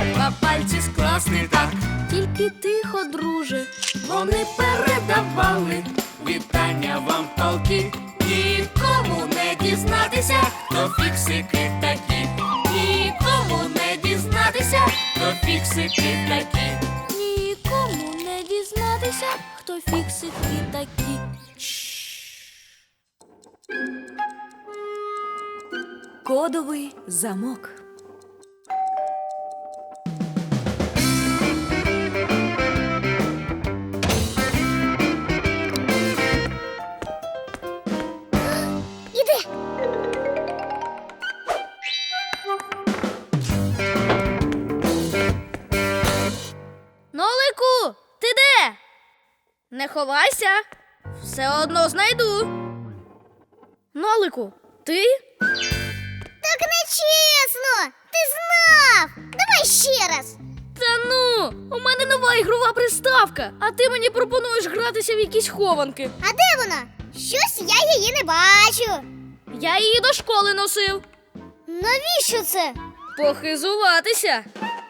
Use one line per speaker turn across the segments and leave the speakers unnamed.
Треба пальці скласти так.
Тільки тихо, друже.
Вони передавали вітання вам полки. Нікому не дізнатися, хто фіксики такі. Нікому не дізнатися, хто фіксики такі.
Нікому не дізнатися, хто фіксики такі. Кодовий замок.
Іди!
Нолику, ти де? Не ховайся. Все одно знайду. Нолику, ти?
Так нечесно! Ти знав! Давай ще раз!
Та ну, у мене нова ігрова приставка, а ти мені пропонуєш гратися в якісь хованки.
А де вона? Щось я її не бачу.
Я її до школи носив.
Навіщо це?
Похизуватися.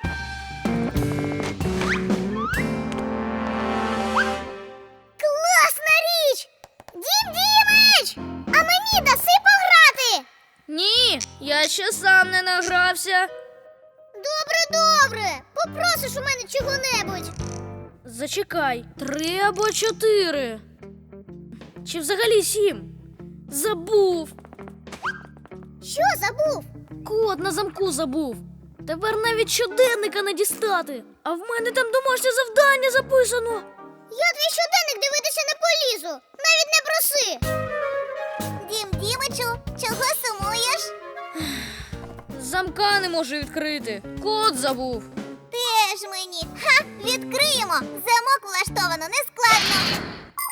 Класна річ! Дім Дімич! А мені даси пограти?
Ні, я ще сам не награвся.
Добре. Попросиш у мене чого-небудь.
Зачекай, 3 або 4. Чи взагалі 7? Забув.
Що забув?
Код на замку забув. Тепер навіть щоденника не дістати. А в мене там домашнє завдання записано.
Я твій щоденник дивитися не полізу. Навіть не проси. Дім Дімичу, чого сумуєш?
Замка не можу відкрити. Код забув.
Теж мені. Ха, відкриємо. Замок влаштовано нескладно.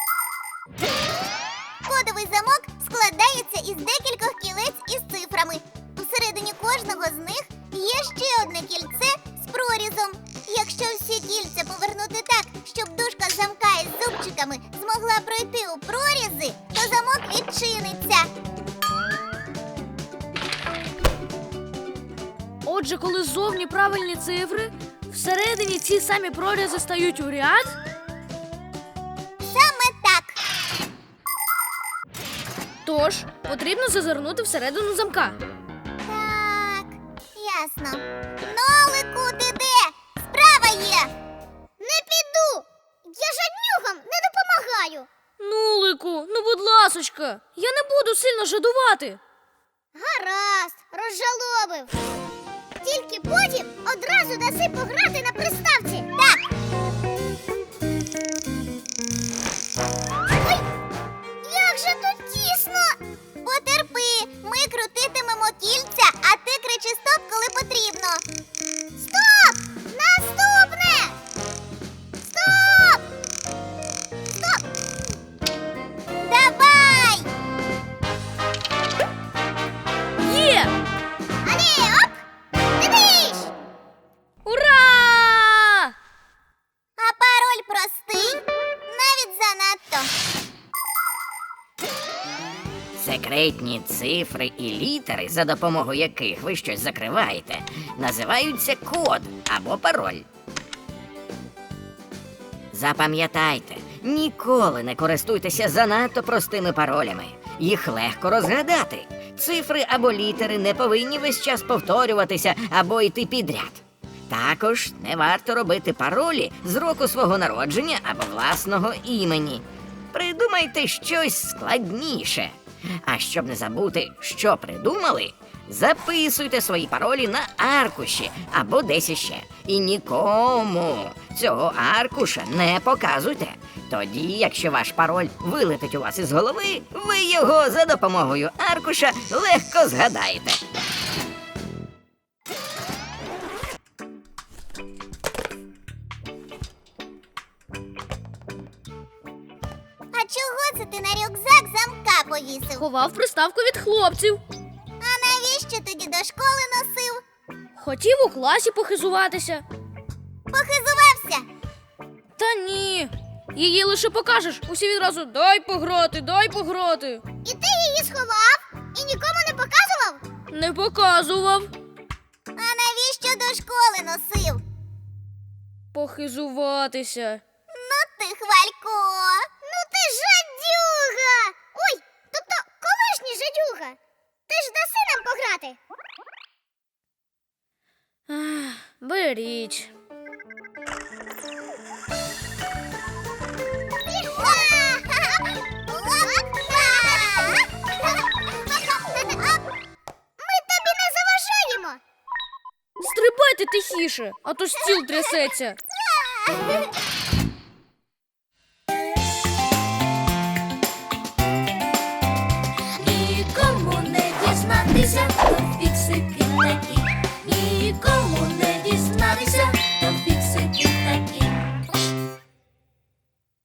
Кодовий замок складається із декількох кілець із цифрами. Всередині кожного з них є ще одне кільце з прорізом. Якщо всі кільця повернути так, щоб дужка замка із зубчиками змогла пройти у прорізи, то замок відчиниться.
Отже, коли ззовні правильні цифри, всередині ці самі прорізи стають у ряд.
Саме так.
Тож, потрібно зазирнути всередину замка.
Так, ясно. Нолику, ти де? Справа є. Не піду. Я жаднюгам не допомагаю.
Нулику, ну будь ласочка, я не буду сильно жадувати.
Гаразд, розжалобив. Тільки потім одразу даси пограти на приставці. Так. Ой, як же тут тісно. Потерпи, ми крутитимемо кільця, а ти кричи стоп, коли потрібно. Стоп! Наступне! Стоп! Стоп! Давай!
Є!
Алі, оп! Дивись!
Ура!
А пароль простий, навіть занадто.
Секретні цифри і літери, за допомогою яких ви щось закриваєте, називаються код або пароль. Запам'ятайте, ніколи не користуйтеся занадто простими паролями. Їх легко розгадати. Цифри або літери не повинні весь час повторюватися або йти підряд. Також не варто робити паролі з року свого народження або власного імені. Придумайте щось складніше. А щоб не забути, що придумали, записуйте свої паролі на аркуші або десь іще. І нікому цього аркуша не показуйте. Тоді, якщо ваш пароль вилетить у вас із голови, ви його за допомогою аркуша легко згадаєте.
А чого це ти на рюкзак замка повісив?
Ховав приставку від хлопців.
А навіщо тоді до школи носив?
Хотів у класі похизуватися.
Похизувався?
Та ні. Її лише покажеш, усі відразу дай пограти, дай пограти.
І ти її сховав? І нікому не показував?
Не показував.
А навіщо до школи носив?
похизуватися.
Ну ти, Хвалько. Ну ти жадюга. Ой, тобто колишній жадюга. Ти ж даси нам пограти.
Беріть.
Ми тобі не заважаємо.
Стрибайте тихіше, а то стіл трясеться.
Нікому не дізнатися, хто фіксики такі.